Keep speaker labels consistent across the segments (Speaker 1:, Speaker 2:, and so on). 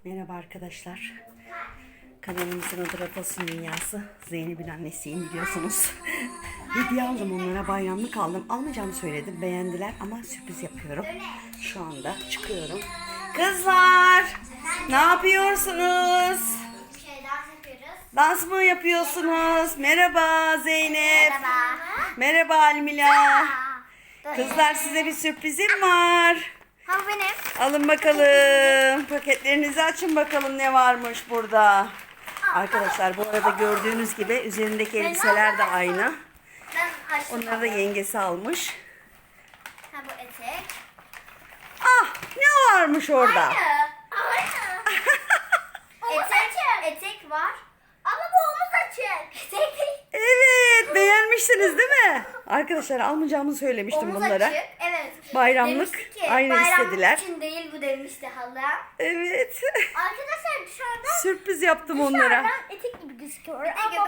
Speaker 1: Merhaba arkadaşlar. Kanalımızın adı Rafos'un Dünyası. Zeynep'in annesiyim biliyorsunuz. Hediye aldım onlara, bayramlık aldım. Almayacağımı söyledim, beğendiler ama sürpriz yapıyorum. Şu anda çıkıyorum. Kızlar, ne yapıyorsunuz?
Speaker 2: Dans yapıyoruz.
Speaker 1: Dans mı yapıyorsunuz? Merhaba Zeynep.
Speaker 2: Merhaba.
Speaker 1: Merhaba Almila. Kızlar, size bir sürprizim var.
Speaker 2: Ha benim.
Speaker 1: Alın bakalım. Paketlerinizi açın bakalım ne varmış burada. Arkadaşlar, bu arada gördüğünüz gibi üzerindeki elbiseler de aynı.
Speaker 2: Ben açtım.
Speaker 1: Onları da yengesi almış.
Speaker 2: Ha bu etek.
Speaker 1: Ah, ne varmış orada?
Speaker 2: Etek var. Ama bu omuz açık. Etek değil.
Speaker 1: Evet, beğenmişsiniz değil mi? Arkadaşlar, almayacağımı söylemiştim
Speaker 2: Omuz
Speaker 1: bunlara.
Speaker 2: açık. Evet.
Speaker 1: Bayramlık
Speaker 2: Demişti ki,
Speaker 1: aynı
Speaker 2: bayramlık
Speaker 1: istediler.
Speaker 2: için değil bu demişti hala.
Speaker 1: Evet.
Speaker 2: Arkadaşlar dışarıdan
Speaker 1: Sürpriz yaptım onlara.
Speaker 2: etek gibi gözüküyor. Ama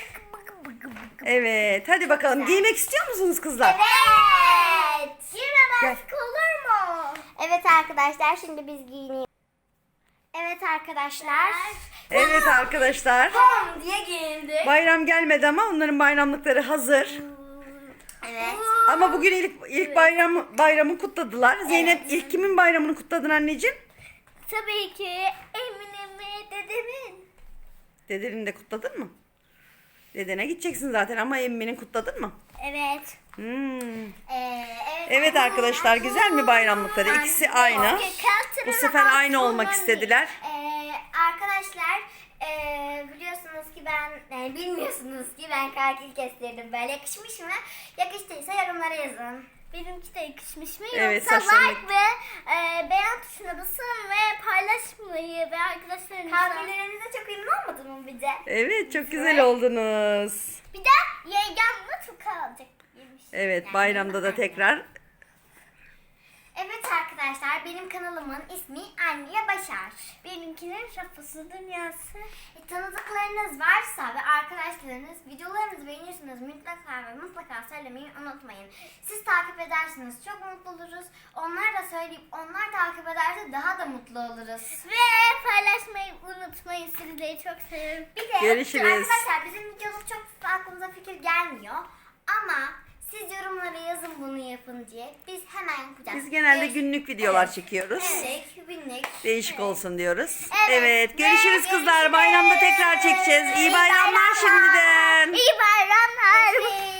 Speaker 1: Evet, hadi bakalım. Giymek istiyor musunuz kızlar?
Speaker 2: Evet.
Speaker 1: Gel.
Speaker 2: Girmemezlik olur mu? Evet arkadaşlar, şimdi biz giyiniyoruz. Evet arkadaşlar.
Speaker 1: Evet arkadaşlar.
Speaker 2: Bom diye giyindik.
Speaker 1: Bayram gelmedi ama onların bayramlıkları hazır.
Speaker 2: Evet.
Speaker 1: Ama bugün ilk bayramı kutladılar. Zeynep, ilk kimin bayramını kutladın anneciğim?
Speaker 2: Tabii ki Emine'mi, dedemin.
Speaker 1: Dedenin de kutladın mı? Dedene gideceksin zaten ama emminin kutladın mı?
Speaker 2: Evet.
Speaker 1: Evet arkadaşlar, güzel mi bayramlıkları? İkisi aynı. Bu sefer aynı olmak istediler.
Speaker 2: Arkadaşlar biliyorsunuz ki bilmiyorsunuz ki ben kakil kestirdim. Böyle yakışmış mı? Yakıştıysa yorumlara yazın. Benimki de yakışmış mı?
Speaker 1: Evet,
Speaker 2: Yoksa
Speaker 1: saçlarını-
Speaker 2: like ve beğen tuşuna basın ve paylaşmayı ve arkadaşlarınızla. Kakillerinize çok ünlü olmadı mı bize?
Speaker 1: Evet, çok güzel oldunuz.
Speaker 2: Bir de yengemle tuka alacak.
Speaker 1: Evet, bayramda da tekrar.
Speaker 2: Evet arkadaşlar, benim kanalımın ismi Anne Başar. Benimkinin Rafos'un Dünyası. Tanıdıklarınız varsa ve arkadaşlarınız videolarımızı beğenirsiniz, mutlaka söylemeyi unutmayın. Siz takip edersiniz, çok mutlu oluruz. Onlar da söyleyip onlar takip ederse daha da mutlu oluruz. Ve paylaşmayı unutmayın, sizleri çok seviyorum. Bir de
Speaker 1: Görüşürüz.
Speaker 2: arkadaşlar, bizim videomuz çok aklımıza fikir gelmiyor. Ama siz yorumlara yazın bunu yapın diye. Biz hemen yapacağız.
Speaker 1: Biz genelde günlük videolar çekiyoruz.
Speaker 2: Evet, günlük.
Speaker 1: Değişik olsun diyoruz.
Speaker 2: Evet.
Speaker 1: Evet, görüşürüz
Speaker 2: Ve
Speaker 1: kızlar.
Speaker 2: görüşürüz.
Speaker 1: Bayramda tekrar çekeceğiz. İyi bayramlar şimdiden.
Speaker 2: İyi bayramlar.